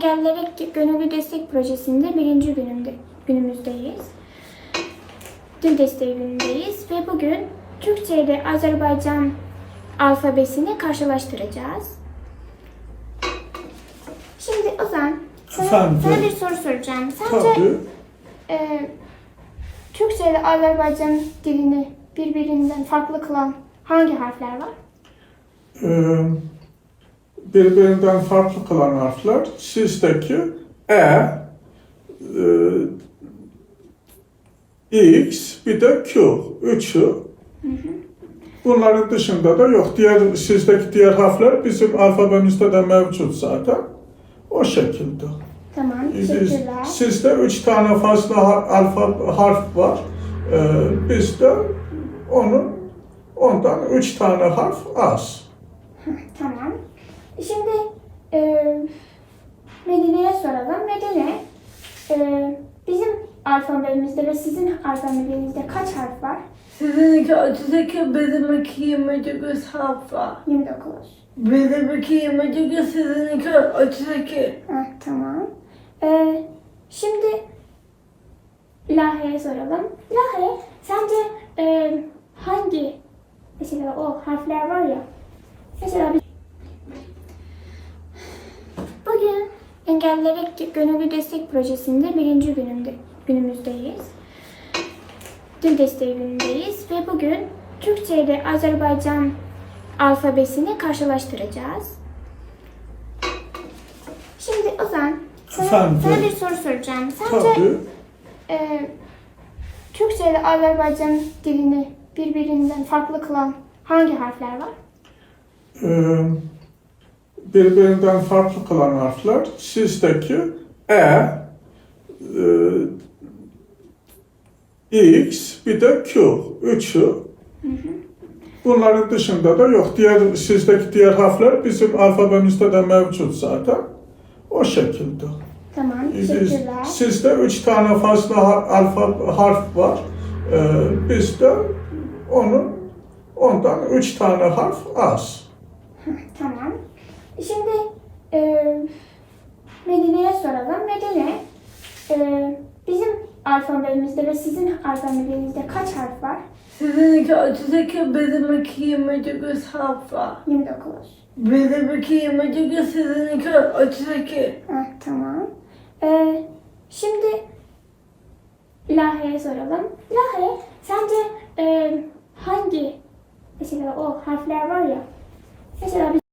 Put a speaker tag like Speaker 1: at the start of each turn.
Speaker 1: Engellilere Gönüllü Destek Projesi'nde birinci günümüzdeyiz. Dil desteği günündeyiz ve bugün Türkçe ile Azerbaycan alfabesini karşılaştıracağız. Şimdi Ozan, sana bir soru soracağım. Sence Türkçe ile Azerbaycan dilini birbirinden farklı kılan hangi harfler var?
Speaker 2: Birbirinden farklı kılan harfler sizdeki X, bir de Q. Üçü. Bunların dışında da yok. Sizdeki diğer harfler bizim alfabemizde de mevcut zaten. O şekilde.
Speaker 1: Tamam, teşekkürler.
Speaker 2: Sizde 3 tane fazla harf var. Bizde ondan 3 tane harf az.
Speaker 1: Tamam. Şimdi Medine'ye soralım. Medine, bizim alfabemizde ve sizin alfabenizde kaç harf var?
Speaker 3: Sizinki 32, benimki 29 harf var.
Speaker 1: 29.
Speaker 3: Benimki 29, sizinki 32.
Speaker 1: Tamam. Şimdi Lahe'ye soralım. Lahe, sence hangi, mesela o harfler var ya, mesela biz bugün Engellilere Gönüllü Destek Projesi'nde birinci günümüzdeyiz. Dil desteği günündeyiz ve bugün Türkçe ile Azerbaycan alfabesini karşılaştıracağız. Şimdi Ozan, sana bir soru soracağım. Sence Türkçe ile Azerbaycan dilini birbirinden farklı kılan hangi harfler var?
Speaker 2: Birbirinden farklı kılan harfler sizdeki X, bir de Q. Üçü. Bunların dışında da yok. Sizdeki diğer harfler bizim alfabemizde de mevcut zaten. O şekilde.
Speaker 1: Tamam, teşekkürler.
Speaker 2: Sizde 3 tane fazla harf var. Bizde ondan 3 tane harf az.
Speaker 1: Tamam. Şimdi Medine'ye soralım. Medine, bizim alfabemizde ve sizin alfabenizde kaç harf var?
Speaker 3: Sizinki 32, benimki 29 harf var.
Speaker 1: 29.
Speaker 3: Benimki 29, sizinki 32.
Speaker 1: Tamam. Şimdi Lahe'ye soralım. Lahe, sence hangi, mesela o harfler var ya, mesela biz